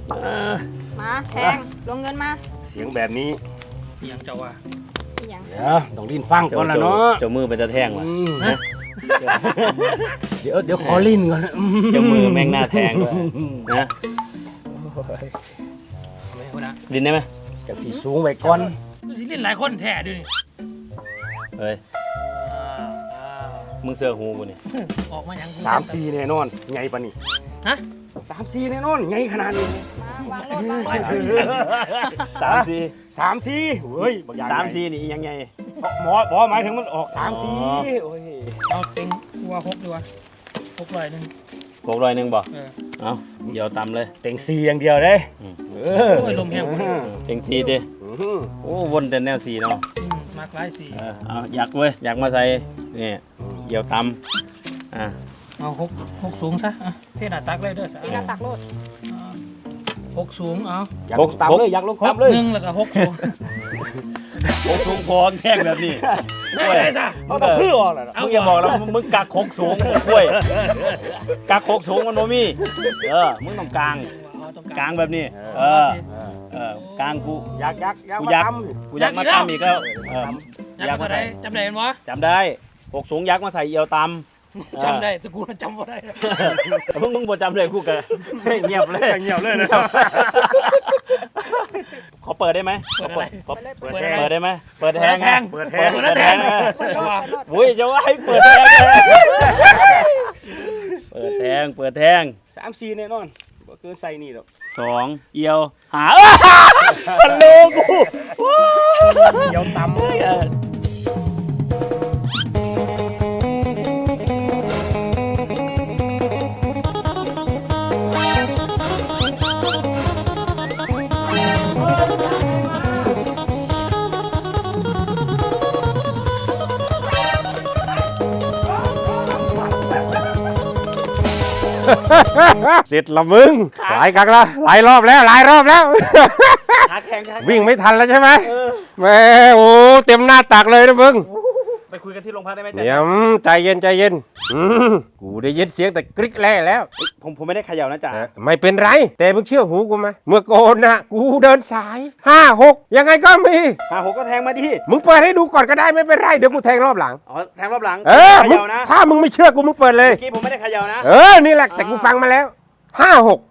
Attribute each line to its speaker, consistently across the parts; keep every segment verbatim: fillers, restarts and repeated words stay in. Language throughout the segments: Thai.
Speaker 1: มาแทงลงเงินมา
Speaker 2: เสียงแบบนี้
Speaker 3: ยังเจ้าว่า
Speaker 1: ยัง
Speaker 2: เดี๋ยวต้องลิ้นฟังก่อนละเนาะ
Speaker 4: เจ้ามือเป็นตะแทงวะ
Speaker 2: เดี๋ยวเดี๋ยวขอลิ้นก่อน
Speaker 4: เจ้ามือแม่งหน้าแทงด้วยนะลิ้นได้ไหม
Speaker 2: จากสีสูงไว้ก่อน
Speaker 3: สิลิ้นหลายคนแท้ด้วยนี่
Speaker 4: เฮ้ยมึงเสือหูกูนี่
Speaker 3: ออกมาอย่าง
Speaker 2: สามสี่แน่นอนไงปะนี่
Speaker 3: ฮะ
Speaker 2: สามสี่แน่นอนไงขนาดนี้
Speaker 1: วางรถวางรถ
Speaker 4: สามสี่
Speaker 2: สามสี่เฮ้ย
Speaker 4: สามสี่นี่ยังไง
Speaker 2: หมอหมอหมายถึงมันออกสามสี่โอ้ย
Speaker 3: เอาเต็งว่าหกดีกว่าหกร้อยหนึ่ง
Speaker 4: หกร้อยหนึ่งบ่เอาเดี๋ยวตำเลย
Speaker 2: เต็งสี่อย่างเดียวเลย
Speaker 3: เออลมแห้ง
Speaker 4: เต็งสี่ดิโอ้วนแต่แนวสี่เนาะ
Speaker 3: มากหลายสี่
Speaker 4: เอาอยากเว้ยอยากมาใส่นี่เดี๋ยวตำอ่า
Speaker 3: เอาหกหกสูงซะเทหน้าตักเลยเด้อ
Speaker 1: เทหน้าตักโลด
Speaker 3: หกสูงเอา
Speaker 2: อยากลงตำเลยอยากลงตำเลย
Speaker 3: หนึ่งแล้วก็หกสูง
Speaker 4: หกสูงพอแท่งแบบนี้
Speaker 3: ไม่ได้ซะ
Speaker 2: เอาตะพื้นออกแล้ว
Speaker 4: มึงอย่าบอกแล้วมึงกักหกสูงกล้วยกักหกสูงมันโนมี่เออมึงต้องกลางกลางแบบนี้เออเออกลางกู
Speaker 2: อยากอยากอยาก
Speaker 4: กูอยากกูอยากมาตำอีกก็
Speaker 3: อยากมาใส่จำได้ไหมวะ
Speaker 4: จำได้หกสูงยักษ์มาใส่เอียวตำ
Speaker 3: จำได้แต่กูจำไม่ได้
Speaker 4: มึงมึงบ่จำเลยกูก็เงียบเลย
Speaker 2: เงียบเลยนะ
Speaker 4: ขอเปิดได้ไหม
Speaker 3: เปิดอะไร
Speaker 4: เปิดได้ไหมเปิดแทง
Speaker 3: แทง
Speaker 2: เปิดแทง
Speaker 4: เปิดแทงอุ้ยจะว่าให้เปิดแทงเปิดแทงเปิดแทง
Speaker 2: สามสี่แน่นอนบ่เกินใส่นี่หรอก
Speaker 4: สองเอียวหาฉันโลกู
Speaker 2: เอียวตำเสร็จละมึงหลายครั้งละหลายรอบแล้วหลายรอบแล้ววิ่งไม่ทันแล้วใช่ไหมแม่โอ้เต็มหน้าตักเลยนะมึง
Speaker 4: ไปคุยกันที่โรงพักได้ไหม
Speaker 2: เดี๋ยวใจเย็นใจเย็นกูได้ยินเสียงแต่กริ๊กแร่แล้ว
Speaker 4: ผมผมไม่ได้เขย่านะจ๊ะ
Speaker 2: ไม่เป็นไรแต่มึงเชื่อหูกูไหมเมื่อก่อนนะกูเดินสายห้าหกยังไงก็มี
Speaker 4: ห้าหกก็แทงมาดิ
Speaker 2: มึงเปิดให้ดูก่อนก็ได้ไม่เป็นไรเดี๋ยวกูแทงรอบหลัง
Speaker 4: อ๋อแทงรอบหลัง
Speaker 2: เออถ้ามึงไม่เชื่อกูมึงเปิดเลย
Speaker 4: เมื่อกี้ผมไม่ได้เขย่านะ
Speaker 2: เออนี่แหละแต่กูฟังมาแล้วห้าหก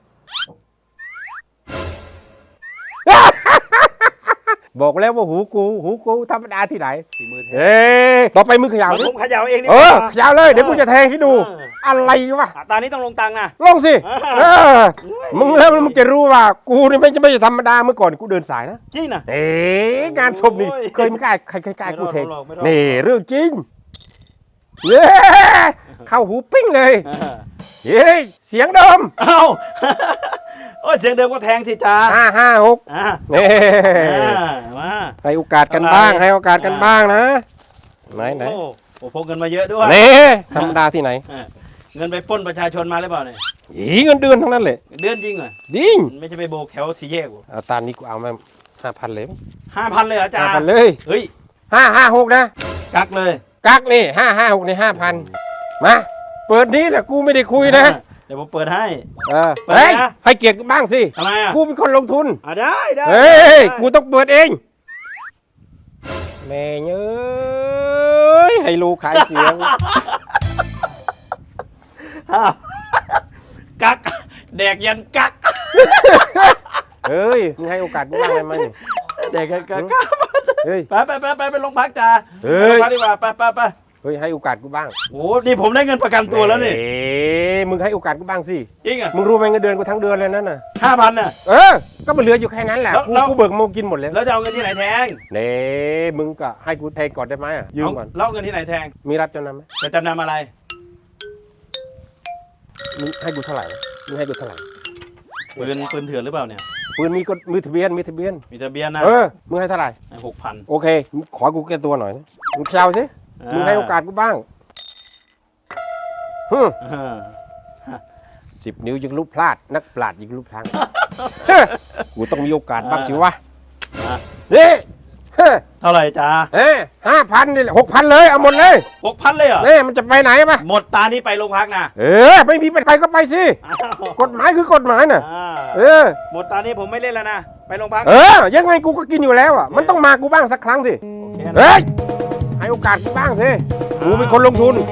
Speaker 2: บอกแล้วว่าหูกูหูกูธรรมดาที่ไหน
Speaker 4: สีมือแทง
Speaker 2: เอ้ต่อไปมึงเขย่าดิ
Speaker 4: ผมเขย่าเองนี่
Speaker 2: เออเขย่าเลยเดี๋ยวกูจะแทงให้ดูอะไรวะ
Speaker 4: ตอนนี้ต้องลงตังค์นะ
Speaker 2: ลงสิเออมึงแล้วมึงจะรู้ว่ากูนี่ไม่ไม่ใช่ธรรมดาเมื่อก่อนกูเดินสายนะ
Speaker 4: จริงนะ
Speaker 2: เอ๊ะงานศพนี่เคยไม่กล้าใครใครกล้ากูแทงนี่เรื่องจริงเย้เข้าหูปิ้งเลยเฮ้ยเสียงเดิม
Speaker 4: เอ้าโอ้ยเสียงเดิมก็แทงสิจ้า
Speaker 2: ห้าห้าหกนี่
Speaker 4: มา
Speaker 2: ให้โอกาสกันบ้างให้โอกาสกันบ้างนะไหนไหน
Speaker 4: โอ้พกเงินมาเยอะด้วย
Speaker 2: นี่ธรรมดาที่ไหน
Speaker 4: เงินไปปล้นประชาชนมาหรือเปล่าเนี่ย
Speaker 2: อีเงินเดือนทั้งนั้นเลย
Speaker 4: เดือนจริงเหรอ
Speaker 2: จริง
Speaker 4: ไม่ใช่ไปโบกแถวสี่แยกกู
Speaker 2: เอาตานี้กูเอามาห้าพันเลย
Speaker 4: ห้าพันเลยเหรอจ้า
Speaker 2: ห้าพันเลย
Speaker 4: เฮ้ย
Speaker 2: ห้าห้าหกนะ
Speaker 4: กักเลย
Speaker 2: กักนี่ห้าห้าหกในห้าพันมาเปิดนี้แหละกูไม่ได้คุยนะ
Speaker 4: เดี๋ยวผมเปิดให้
Speaker 2: เออเฮ้ยให้เกียรติบ้างสิ
Speaker 4: ทำไมอ่ะ
Speaker 2: กูเป็นคนลงทุน
Speaker 4: อ่ะได้ได้
Speaker 2: เฮ้ยกูต้องเปิดเองแม่เอ้ยให้ลูกขายเสียง
Speaker 4: กักแดกยันกัก
Speaker 2: เฮ้ยมึงให้โอกาสกูบ้างได้ไหม
Speaker 4: แดกยันกักเฮ้ยไปไปไปไปไปโรงพักจ้า
Speaker 2: เฮ้ย
Speaker 4: ไปดีกว่าไปไปไป
Speaker 2: เฮ้ยให้โอกาสกูบ้าง
Speaker 4: โอ้นี่ผมได้เงินประกันตัวแล้วนี่
Speaker 2: เอ๊ะมึงให้โอกาสกูบ้างสิ
Speaker 4: จริงอ่ะ
Speaker 2: มึงรู้ไหมเงินเดือนกูทั้งเดือนเลยนั่นน่ะ
Speaker 4: ห้าพันน่ะ
Speaker 2: เออก็มันเหลืออยู่แค่นั้นแหละกูกูเบิกโมกินหมดแล้ว
Speaker 4: แล้วจะเอาเงินที่ไหนแทง
Speaker 2: เน่มึงก็ให้กูแทงก่อนได้ไหมอ่ะยืมก่อน
Speaker 4: แล้วเงินที่ไหนแทง
Speaker 2: มีรับจำนำไหม
Speaker 4: จะจำนำอะไร
Speaker 2: มึงให้กูเท่าไหร่มึงให้กูเท่าไหร่
Speaker 4: ปืนปืนเถื่อนหรือเปล่าเนี่ย
Speaker 2: ปืนมีก็มีทะเบียนมีทะเบียน
Speaker 4: มีทะเบียนนะ
Speaker 2: เออมึงให้เท่าไหร่
Speaker 4: หกพัน
Speaker 2: โอเคขอกูแก้ตัวหน่อยนะมึงเข่าสิมึงให้โอกาสกูบ้างสิบนิ้วยังลุกพลาดนักปราชญ์ยังลุกพลังกูต้องมีโอกาสบ้างสิวะนี่
Speaker 4: เท่าไหร่จ้า
Speaker 2: เอ้ห้าพันนี่หกพันเลยเอาหมดเลย
Speaker 4: หกพันเลยเหรอ
Speaker 2: เนี่ยมันจะไปไหนปะ
Speaker 4: หมดตานี้ไปโรงพักนะ
Speaker 2: เออไม่มีไปไปก็ไปสิกฎหมายคือกฎหมายน่ะเออ
Speaker 4: หมดตอนนี้ผมไม่เล่นแล้วนะไปโรงพัก
Speaker 2: เออ ยังไงกูก็กินอยู่แล้วอ่ะ มันต้องมากูบ้างสักครั้งสิ
Speaker 4: โอเค
Speaker 2: เฮ้ย ให้โอกาสกูบ้างสิ กูเป็นคนลงทุน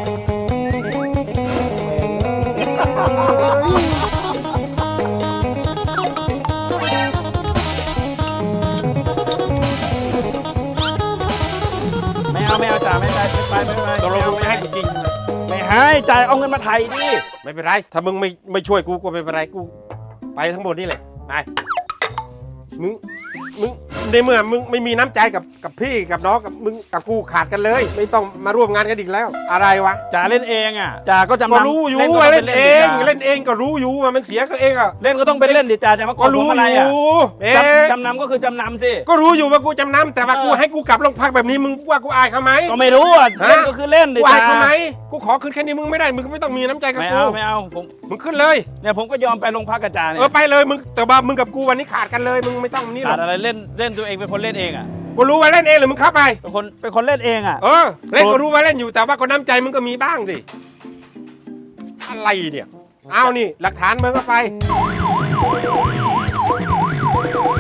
Speaker 4: ไม่เอาไม่เอาจ่าไม่ได้ไปไปไป
Speaker 2: ตกลงมึงไม่ให้กูกิน
Speaker 4: ไม่ให้จ่ายเอาเงินมาไถ่ดิ
Speaker 2: ไม่เป็นไร ถ้ามึงไม่ไม่ช่วยกูก็ไม่เป็นไร กูไปทั้งหมดนี่แหละ ไป มึง มึง ในเมื่อมึงไม่มีน้ำใจกับกับพี่กับน้องกับมึงกับกูขาดกันเลย ไม่ต้องมาร่วมงานกันอีกแล้ว อะไรวะ
Speaker 4: จ่าเล่นเองอ่ะจ่าก็จำ
Speaker 2: ก็
Speaker 4: นำ
Speaker 2: รู้อยู่
Speaker 4: ก็
Speaker 2: ว่า
Speaker 4: ต้
Speaker 2: เล่นเอง
Speaker 4: ดิจ่า
Speaker 2: เล่นเองก็รู้อยู่ว่ามันเสียก็เองอ่ะ
Speaker 4: เล่นก็ต้องเป็นเล่นดิจ่าจะมา
Speaker 2: ก็รู้
Speaker 4: ผมอะไร
Speaker 2: อ
Speaker 4: อ่ะ
Speaker 2: ยู่เอ๊ะ
Speaker 4: จำจำนำก็คือจำนำสิ
Speaker 2: ก็รู้อยู่ว่ากูจำนำแต่ว่า
Speaker 4: เออ
Speaker 2: กูให้กูกลับโรงพักแบบนี้มึงว่ากูอายเขาไหม
Speaker 4: ก็ไม่รู้อ่ะ
Speaker 2: ฮะ
Speaker 4: เล่นก็คือเล่นดิ
Speaker 2: กูอาย
Speaker 4: จ่า
Speaker 2: เขาไหมกูขอขึ้นแค่นี้มึงไม่ได้มึงก็ไม่ต้องมีน้ำใจกับ
Speaker 4: ไม่
Speaker 2: กู
Speaker 4: เอาไม่เอาผม
Speaker 2: มึงขึ้นเลย
Speaker 4: เนี่ยผมก็ยอมไปโรงพักกับจ่าเนี่
Speaker 2: เอย อไปเลยมึงแต่ว่ามึงกับกูวันนี้ขาดกันเลยมึงไม่ต้องนี่หร
Speaker 4: ขา
Speaker 2: อ
Speaker 4: ด
Speaker 2: ก
Speaker 4: อะไรเล่นเล่นตัวเองเป็นคนเล่นเองอ่ะ
Speaker 2: กูรู้ว่าเล่นเองหรือมึงเข้าไป
Speaker 4: เป็นคนเป็นคนเล่นเองอ่ะ
Speaker 2: เออเล่นก็รู้ว่าเล่นอยู่แต่ว่าก็น้ำใจมึงก็มีบ้างสิอะไรเนี่ยเอานี่หลักฐานมึงก็ไป